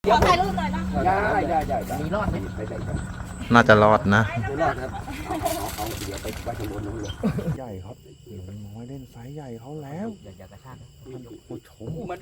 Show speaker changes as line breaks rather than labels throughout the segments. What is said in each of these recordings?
ขอถ่ายรูปหน่อยนะ
ได้มีรอดไหม
น่าจะรอดนะ
ไม่รอดครับเอาเดี๋ยวไปไว้ข้างบนนู้นเลย
ใหญ่ครับลุงน้อยเล่นไซส์ใหญ่เขาแล้ว
อย่ากระชาก
ผู้ชม
มัน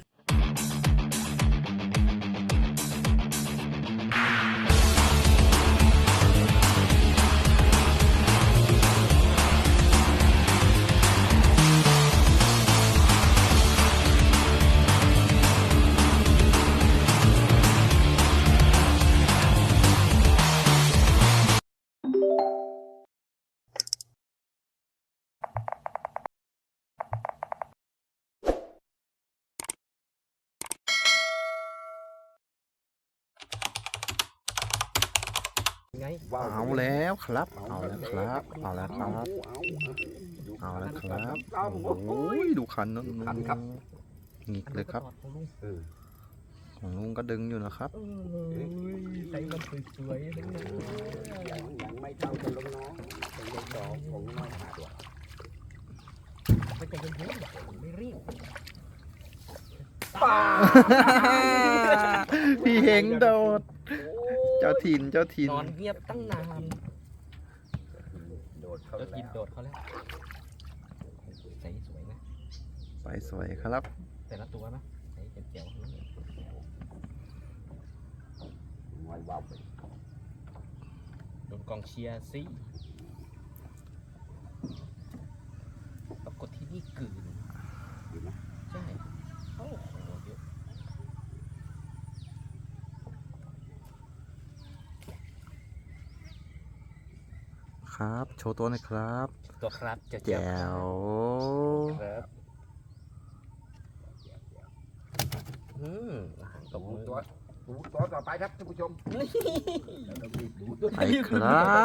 ไง
เอาแล้วครับ เอาแล้วครับ เอาแล้วครับ เอาแล้วครับโอ้ยดูคันนั้นหงิกเลยครับของลุงก็ดึงอยู่นะครับ
ใส่มันสวยๆทั้งนั้นยังไม่เท่ากันลงน้องเป็นเด็กดอกของน้องขาดว่ะไม่ใจเย็นๆไม่รีบ
พี่เฮงโดด เจ้าถิ่น
นอนเงียบตั้งนานโดดเขาแล้วโดดเขาแล้วใส่สวยนะ
ใส่สวยครับ
แต่ละตัวนะใส่เจ๋วๆทั้งนั้นว้าวโดนกองเชียร์สิปรากฏที่นี่กลืนใช่โอ้โหเยอะ
ครับ โชว์ตัวหน่อยครับ
ตัวครับ
แจ๋ว
ครับตบมือตัวต่อไปครับท่านผู้ชม
ไปครับ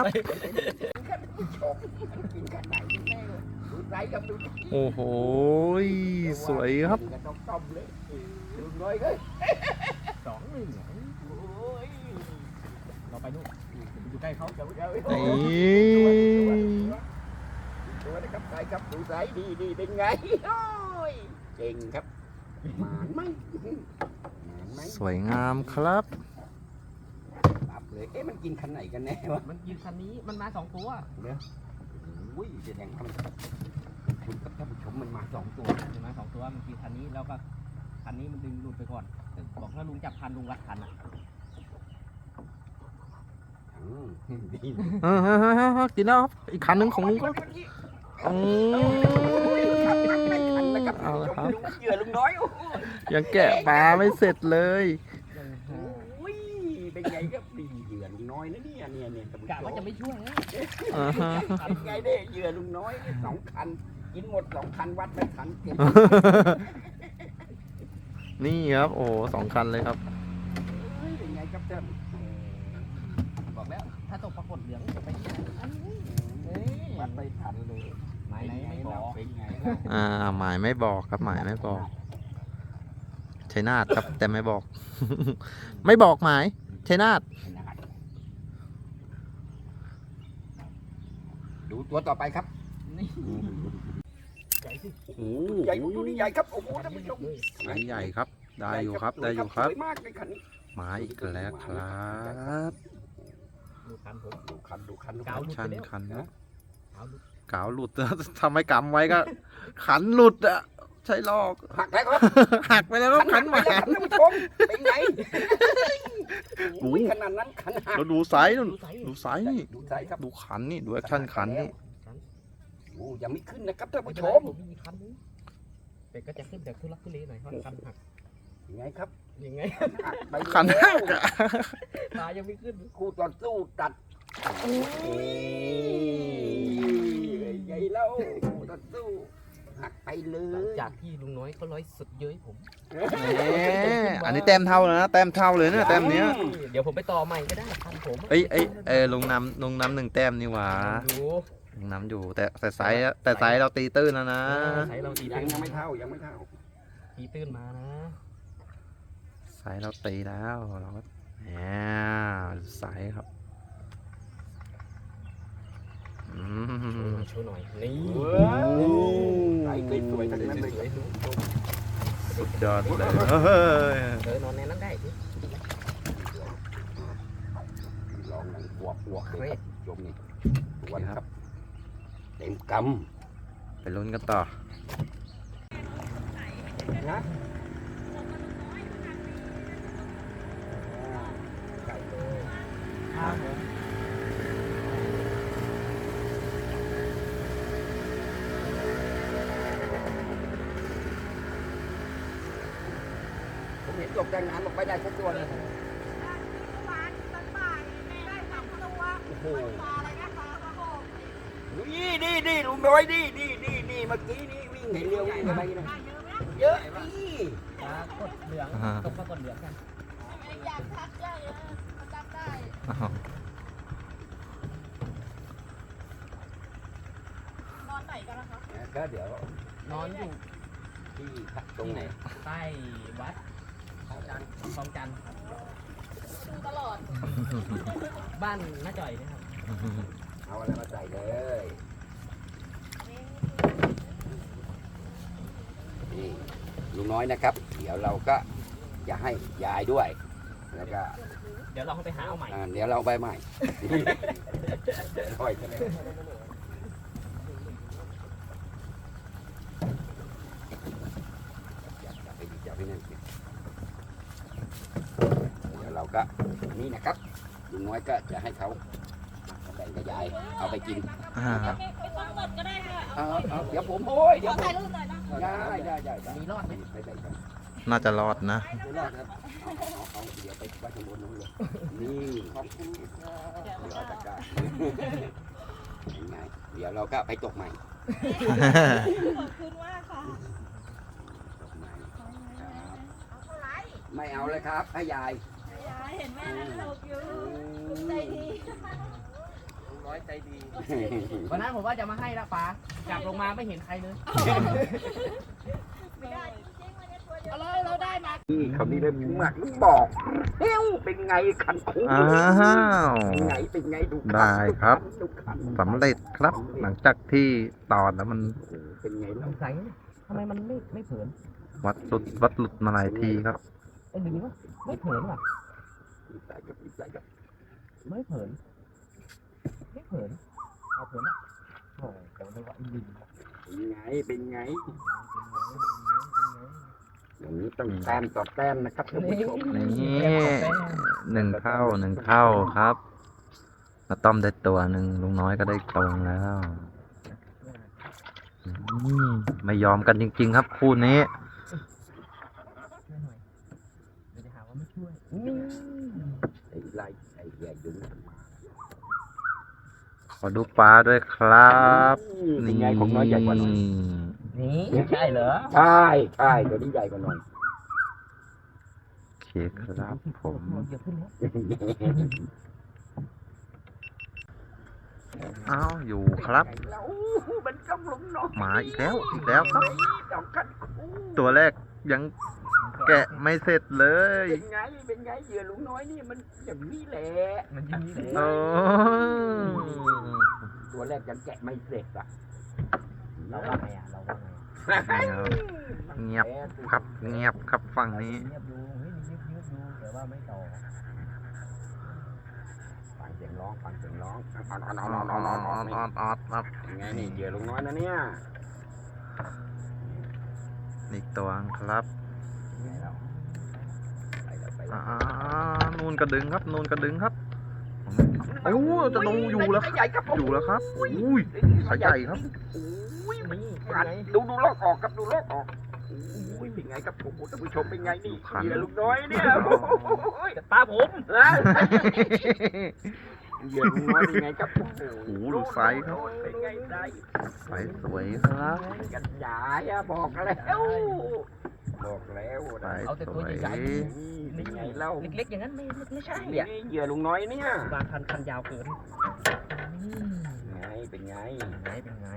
กินกันไหนแม่ดูไรกับดู
โอ้โห สวยครับ
ต้มเลยดูน้อยเลย2-1เราไปนู่นอยู่ใกล้เขาจะเอา
นี่
ตัวนะครับใครครับดูไรดีเป็นไงโอ้ยเก่งครับหมานไหม
สวยงามครับ
ตับเลยมันกินคันไหนกันแน่วะมันกินคันนี้มันมา2ตัวเนี่ยอุ้ยแสดงว่ามันคุณกับท่านผู้ชมมันมา2ตัวมันมา2ตัวมันกินคันนี้แล้วก็คันนี้มันดึงหลุดไปก่อนบอกถ้าลุงจับคันลุงรัดคันอ่ะดี
กินแล้วครับ อีกคันหนึ่งของลุงก็เอาละครับ
เหยื่อลุงน้อย
ยังแกะปลาไม่เสร็จเลย
อุ้ยเป็นไงก็ดีเหยื่อลุงน้อยนะเนี่ยกะว่าจะไม่ช่วยนะเป็นไงเด้เหยื่อลุงน้อย2 คันกินหมด2 คันวัดไม่ทันเก็บ
นี่ครับ โอ้2 คันเลยครับ
เป็นไงครับท่านบอกแล้วถ้าตกปรากฏเหลืองจะไปวัดไม่ทันเลยหมายไหนไม่บอกเป็นไง
หมายไม่บอกครับ หมายไม่บอก ชัยนาทครับ แต่ไม่บอก ไม่บอกหมายชัยนาท
ดูตัวต่อไปครับนี่ใหญ่สิใหญ่ดูนี่ใหญ่ครับโอ้โหท่านผู้ชม
ไซส์ใหญ่ครับ ได้อยู่ครับ ได้อยู่ครับ
สวยมากเลยคันนี้
มาอีกแล้วครับ
ดูคันผมดูคัน
ชันคันนะกาวหลุด ทำไมกำไว้ก็ ขันหลุดอ่ะ ใช่ลอก
หักแล้วครับ
หักไปแล้วครับขันหมา
ท่านผู้ชมเป็นไงขนาดนั้นขันหัก
เราดูไซส์ดูไซส์นี่
ดูไซส์ครับ
ดูขันนี่ ดูแอคชั่นขันนี่
โอ้ยังไม่ขึ้นนะครับท่านผู้ชมเป็ดก็จะขึ้นแต่ทุลักทุเลหน่อยเพราะคันหักยังไงครับยังไง
ขันหักอะ
ตายังไม่ขึ้นคู่ต่อสู้ตัดใหญ่แล้วคู่ต่อสู้หักไปเลยจากที่ลุงน้อยเขาร้อยสุดเย้ยผม
อันนี้แต้มเท่าแล้วนะ แต้มเท่าเลยเนี่ยแต้มเนี้ย
เดี๋ยวผมไปต่อใหม่ก็ได้คันผม
เอ้ยลงน้ำ1 แต้มนี่หว่าลงน้ำอยู่แต่ไซส์เราตีตื้นแล้วนะ
ไซส์เราตีตื้นยังไม่เท่าตีตื้นมานะ
ไซส์เราตีแล้วเราก็ไซส์ครับ
โชว์หน่อยนี่ไอ้สวยๆทั้งนั้นเลย
สุดยอดเลย
นอนในนั้นได้อวบเลยครับชมนี่วันครับเต็มก
ไปลุ้นกันต่อ
ำนะไก่เลยครับผมเห็นตกแต่งงานลงไปได้ทุกตัวเลย โอ้โหนี่ลุงน้อยนี่เมื่อกี้นี่วิ่งเห็นเร็ววิ่งอะไรนะเยอะนี่
กดเหลืองตกปรากฏเหลืองกัน
อยากทักเยอะเลยเขาจำได้
อ้าว
นอนไหนกันนะคะ
ก็เดี๋ยวน
อนอยู่
ที่ตรงไหน
ใต้วัดคลองจันทร์ครับ
ดูตลอด
บ้านน้าจ่อยนะครับ
เอาอะไรมาใส่เลยนี่ลุงน้อยนะครับ เดี๋ยวเราก็จะให้ยายด้วยแล้วก็
เดี๋ยวเราไปหาเอาใหม่
เดี๋ยวเราไปใหม่ค่อยกันเลยจับไปนั่นเดี๋ยวเราก็นี่นะครับลุงน้อยก็จะให้เขาแบ่งกับยายเอาไปกิน
ครับ
ไม่ต้องกดก็ได้ค่ะ
เดี๋ยวผมโอ้ย
ข
เดี๋ย
อ
วผม
ถ่ายรูปหน่อยนะ
ได้
มีรอดไหม
ไปได้ครับ
น่าจะรอดนะ
ไม่รอดครับเอาเดี๋ยวไปไว้ข้างบนนู้นเลยนี่ขอบคุณครับเดี๋ยวเอาตะกร้ายังไงเดี๋ยวเราก็ไปตกใหม่
ขอบคุณมากค่ะ
ตกใหม่
เอาเท่าไหร่
ไม่เอาเลยครับให้ยาย
ยายเห็นแม่นั่งตกอยู่ใจดี
น้อยใจดี วันนั้นผมว่าจะมาให้ละป้าจับลงมาไม่เห็นใครเลย
ไม่ได้จริงๆวันนี้ตัวเยอะเราได้มา
นี่เขานี่เลยหมักบอกเฮ้วเป็นไงคันคู
อ้าว
เป็นไงดู
ได้ครับ
ดูคัน
สำเร็จครับ หลังจากที่ตอดแล้วมัน
เป็นไง
ส
เรา
งสัยทำไมมันไม่เผิน
วัดหลุดมาหลายทีครับ
ไอ้หรือว่าไม่เผินว่ะ
ใส่กับใส่กับ
ไม่เผินเอาเผินอ่ะโอ้แต่ไม่ว่าลิง
เป็นไงอย่างนี้ต้องแต้มต่อแต้มนะครับท่านผู้ชม
นี่หนึ่งเท่าครับมาต้อมได้ตัวหนึ่งลุงน้อยก็ได้ตรงแล้วไม่ยอมกันจริงๆครับคู่นี้
เดี๋ยวจะหาว่าไม่ช่วย
ไอ้ไรไอ้แย่ยุงมันมา
ขอดูปลาด้วยครับ
เป็นไงของน้อยใหญ่กว่าหน่อย
นี่ใช่เหรอ
ใช่ตัวนี้ใหญ่กว่าหน่อย
โอเคครับผม
เยอะขึ้นแล้ว
อ้าวอยู่ครับ
แล้วมันกำลังนอน
หมาอีกแล้วครับ
ดอกกันคู่
ตัวแรกยังแกะไม่เสร็จเลย
เป็นไงเหยื่อลุงน้อยนี่มันอย่างนี้แหละ
มันยังมีเลย
โอ้
ตัวแรกยังแกะไม่เสร็จอ่ะ
เราว่าไงอ่ะเราว่าไง
เงียบครับเงียบครับฝั่งนี้
เงียบดูเฮ้ยมีเงียบดูแต่ว่าไม่ต่อ
ฟังเสียงร้อง
ครับ
ยังไงนี่เหยื่อลุงน้อยนะเนี่ย
อีกตัวครับ
ไปแล้ว
นูนกระดึงครับโอ้จะลงอยู่แล้ว
ใหญ่ครับผม
อยู่แล้วครับอุ้ยสายใหญ่ครับ
อุ้ย
นี่
ดูลอกออกครับดูลอกออกอุ้ยเป็นไงครับผมท่านผู้ชมเป็นไงนี่เหยื่อลุงน้อยเนี่ยโอ้ย
ปลาผม
นะเหยื่อลุงน้อยเป็นไงครับโอ้โห
โอ้โหดูไซส์ครับ
เป็นไงไซส์
ไซส์สวยครับ
กันใหญ่อะบอกแล้วนะ
เอาแต่ตัวใหญ่
นี่ไงเล่า
ๆเล็กๆอย่างนั้นไม่ใช่
นี่
อ่ะ
เหยื่อลุงน้อยเนี่ย
บางคันยาวเกิน
ไงเป็นไง
เป็นไง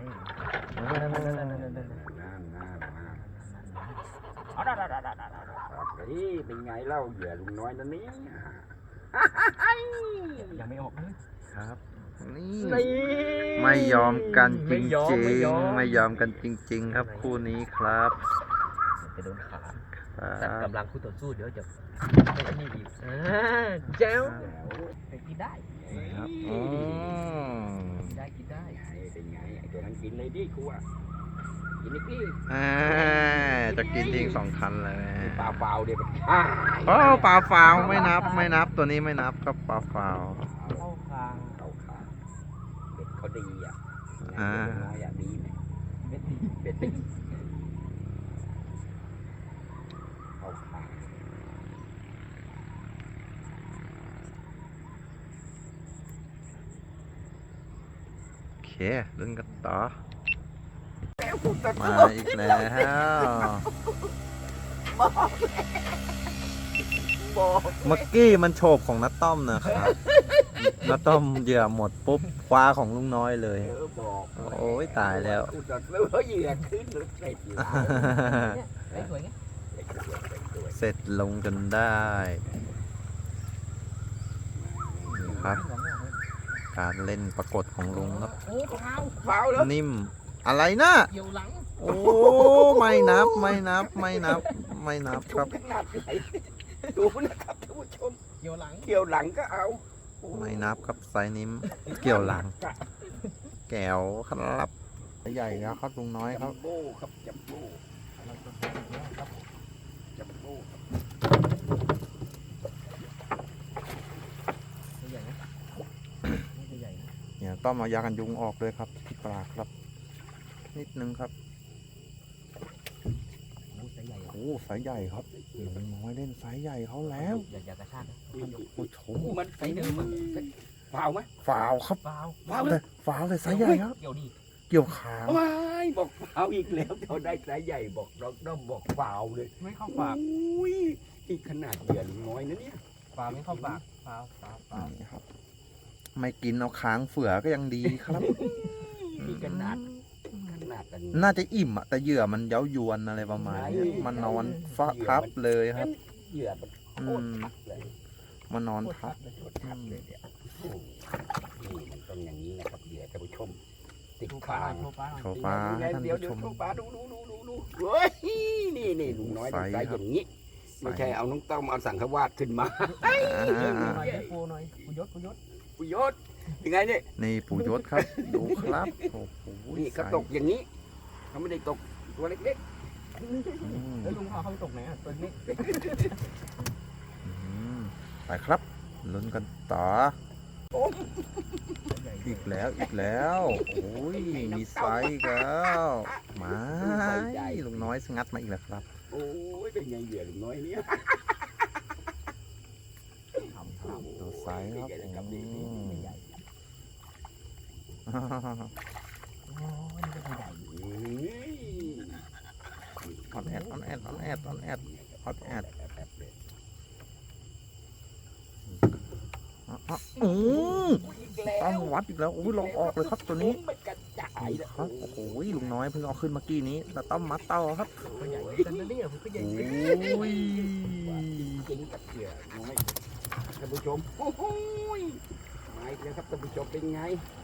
เอานี่เป็นไงเล่าเหยื่อลุงน้อยนั่นนี่
ยังไม่ออกเลย
ครับ นี่
นี่
ไม่ยอมกันจริง
ไม่ยอม
ๆไม่ยอมกันจริง ๆ ครับคู่นี้ครับ
จะโดนขา
ครั
ตัด
บ
กำลังคู่ต่อสู้เดี๋ยวจะไม่นี่อีกเจ้าแต่กินได้
น
ครับอ๋อ
กินได้
เป็นไงไอ้ตัวนั้นกินเลยดิครูอ่ะกินอีกดิ
จะกินทิ้ง2 คันเลย
ปลาเปล่าเดี๋ยวมัน
โอ้ปลาฟาวไม่นับตัวนี้ไม่นับครับปลาฟาว
เข้าคาง
เขาขาเบ็ดเขาดีอ่ะ
อ่า
น้อยอ่ะดีไหม
เม็ดดี
เบ็ดดีเขาขา
โอเคเล่นกันต่อ
แล้วกูตัด
มาอีกแล้ว
บอก
เมื่อกี้มันโฉบของนัตต้อมนะครับนัตต้อมเหยื่อหมดปุ๊บคว้าของลุงน้อยเลย
บอก
โอ้ยตายแล้ว
กูตัดแล้วเหยื่อขึ้นหรือเสร็จแล้ว
ไอ้สวยไง
เสร็จลงจนได้ครับ การเล่นปรากฏของลุงครับ
โอ้เท้า
เปล่าแล้ว
นิ่มอะไรนะ
เกี่ยวหลัง
โอ้ไม่นับครับ
ขนาดไหนดูนะครับท่านผู้ชม
เกี่ยวหลัง
เกี่ยวหลังก็เอา
ไม่นับครับไซส์นิ้มเกี่ยวหลังแก้วครับใหญ่แล้วครับลุงน้อยครับ
จัมโบ้ครับจัมโบ้จัมโบ้ครับ
ตัวใหญ่นะตัวใหญ่นะ
เนี่ยต้องมายากันยุงออกเลยครับที่ปลากครับ นิดนึงครับ
โอ้ไซส์ใหญ่
โอ้ไซส์ใหญ่ครับลุงน้อยเล่นไซส์ใหญ่เขาแล้ว
อย่ากระชากนะ
โอ้โห
มันไซส์เดิมมันเปล่าไหม
ฝาวครับ
เปล่า
เปล่า
แต่ฝาวแต่ไซส์ใหญ่ครับ
เกี่ยวดี
เกี่ยวขาง
ไม่บอกเปล่าอีกแล้วเขาได้ไซส์ใหญ่บอกเราต้องบอกเปล่าเลย
ไม่เข้าปาก
อุ้ยนี่ขนาดเหยื่อลุงน้อยนะเนี่ย
ปลาไม่เข้าปากปลา
นี่ครับ ไม่กินเอาค้างเฝือก็ยังดีครับ
นี่ขนาดกัน
น่าจะอิ่มอะแต่เหยื่อมันเย้ายวนอะไรประมาณนี้มันนอนฟ้าทับเลยครับ
เหยื่อมันโค
อื
ตร
ม
ทับเลย
มันนอนทับ
โคตรทับเลยเนี่ยโอ้นี่มันต้องอย่างนี้นะครับเหยื่อท่านผู้ชม ติด
โชว์ป
คา
ลาง โชว์ปลา
โชว์ฟ้าให้ท่าน
เดี๋ยว
ผู้ชม
โชว์ปลาดูเฮ้ยนี่ลุงน้อยได้ไซส์อย่างนี้ ไม่ใช่เอาน้องต้อมเอาสังขวาดขึ้นมา
อ่า
หน่อยปูหน่อยปูยศ
ปุยศยังไงเนี่ย
นี่ปู่ยศครับ ดูครับโอ้โห
นี่เขาตกอย่างนี้เขาไม่ได้ตกตัวเล็ก
อืม
แล้วลุงเขาไปตกไหนอ่ะตัวนี้
อืมไปครับลุ้นกันต่อ อีกแล้วโอ้ยมีไซส์อีกแล้วมาลุงน้อยงัดมาอีกแล้วครับ
ๆโอ้ยเป็นไงเหยื่อลุงน้อยเนี่ย
ดูไซส์ครับ
ครับ
อื
นี่
ม
ใหญ่
โอ้ยนี่ก็ตัวใหญ่
ออนแอดฮอตแอดอือต้องวัดอีกแล้วโอ้ยลองออกเลยครับตัวนี้
มันกระจาย
นี่ครับโอ้โหลุงน้อยเพิ่งเอาขึ้นเมื่อกี้นี้แต่ต้องมัดเต้าครับ
ตัวใหญ่กันนะเนี่ยผมก็ใหญ่
โอ้ย
จริงกับเหยื่อน้อยท่านผู้ชมโอ้โหมาอีกแล้วครับท่านผู้ชมเป็นไง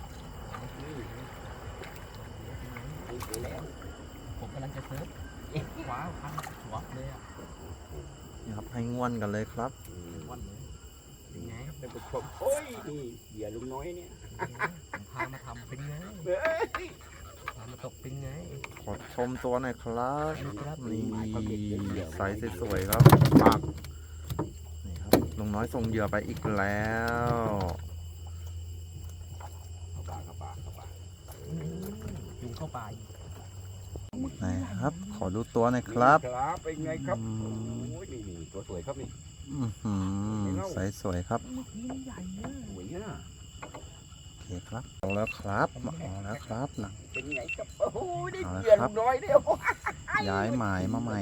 อีกแล้ว
ผมกำลังจะเซิร์ฟว้าวพันหัวเลยอ่ะ
นี่ครับให้ง่วนกันเลยครับ
วันเลยเป็นไง
ท่านผู้ชมโอ้ยนี่เหยื่อลุงน้อยเนี่ย
ผมพามาทำเป็นไง
เฮ้ย
พามาตกเป็นไง
ขอชมตัวหน่อยครับ
ครับ
นี่ไซส์สวยๆครับปากนี่ครับลุงน้อยส่งเหยื่อไปอีกแล้ว
เข้าปาก
ยุงเข้าไป
นะครับ ขอดูตัวหน่อยครับ
ครับเป็นไงครับโอ้ยนี่ตัวสวยครับนี่
อื้อหือไซส์สวยครับ
นี่ใหญ่เนี่ย
สวยนะ
โอเคครับเอาแล้วครับเอาแล้วครับหลัง
เป็นไงครับโอ้โหนี่
เอาละ
เหยื่อ
ครั
ลุ
บ
งน้อยเดียว
ย้ายหมายมาใหม่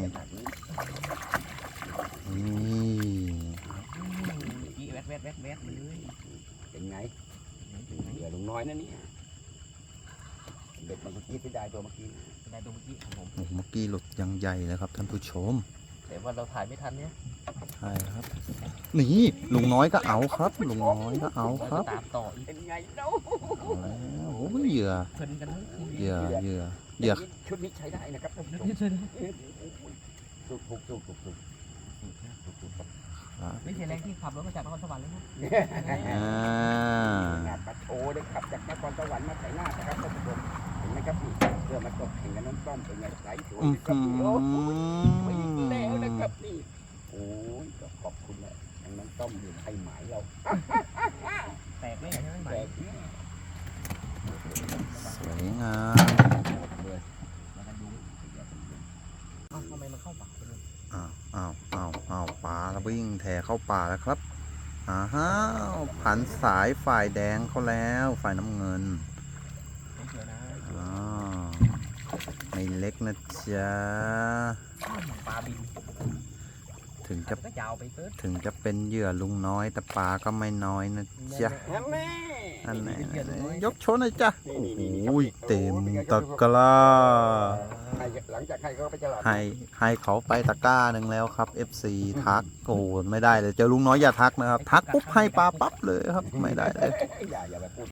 นี่
จี้แวดเลย
เป็นไงเหยื่อลุงน้อยนะเนี่ยเด็กมันเมื่อกี้ที่ได้ตัวเมื่อกี้
ได้ตัวเมื่อกี้ของผม
โอ้โหเมื่อกี้หลุดยังใหญ่เลยครับท่านผู้ชม
แต่ว่าเราถ่ายไม่ทันเนี่ย
ใช่ครับ นี่ลุงน้อยก็เอาครับลุงน้อยก็เอาครับ
ตามต่ออีก
เป็นไงเนาะ
เอาแล้วโอ้ยเหยื่อ
เพลินกันทั้งคืน
เหยื่อ
ชุดนี้ใช้ได้นะครับท่านผู้ชม
นี่เลย
ถูกครับ
ครับ
ไม่ใช่แรงที่ขับรถมาจากนครสวรรค์เลยนะ
อ่า
งานปะโชได้ขับจากนครสวรรค์มาไถนานะครับท่านผู้ชมเห็นไหมครับนี่เพื่อมาตกแข่งกับน้องต้อมเป็นไงไหลสวยเลยครับนี่โอ้ยไม่แล้วนะครับนี่โอ้ยก็ขอบคุณนะน้องต้อมเดี๋ยวให้หมายเรา
แตกไหมใช่ไหมไหม
แจกแน่
สวยงาม
เลย
แล้วกันดูเอ้าทำไมมันเข้าปากไปเลย
อ้าวปลาแล้ววิ่งแถเข้าป่าแล้วครับอ้าวผันสายฝ่ายแดงเขาแล้วฝ่ายน้ำเงิน
ไม่เชื่อนะ
อ้าวไม่เล็กนะจ๊ะ
ปลาบิน
ถึงจะ
ก็ยาวไปเกิน
ถึงจะเป็นเหยื่อลุงน้อยแต่ปลาก็ไม่น้อยนะจ๊ะ
แม่
อันไหนยกโชว์หน่อยจ้ะโอ้ยเต็มตะกร้า
หลังจากให้เขาไปตลาด
ให้เขาไปตะกร้าหนึ่งแล้วครับ FC ทักโอ้โหไม่ได้เลยเจอลุงน้อยอย่าทักนะครับ ทักปุ๊บให้ปลาปั๊บเลยครับไม่ได้เลย
อย่าไปพูด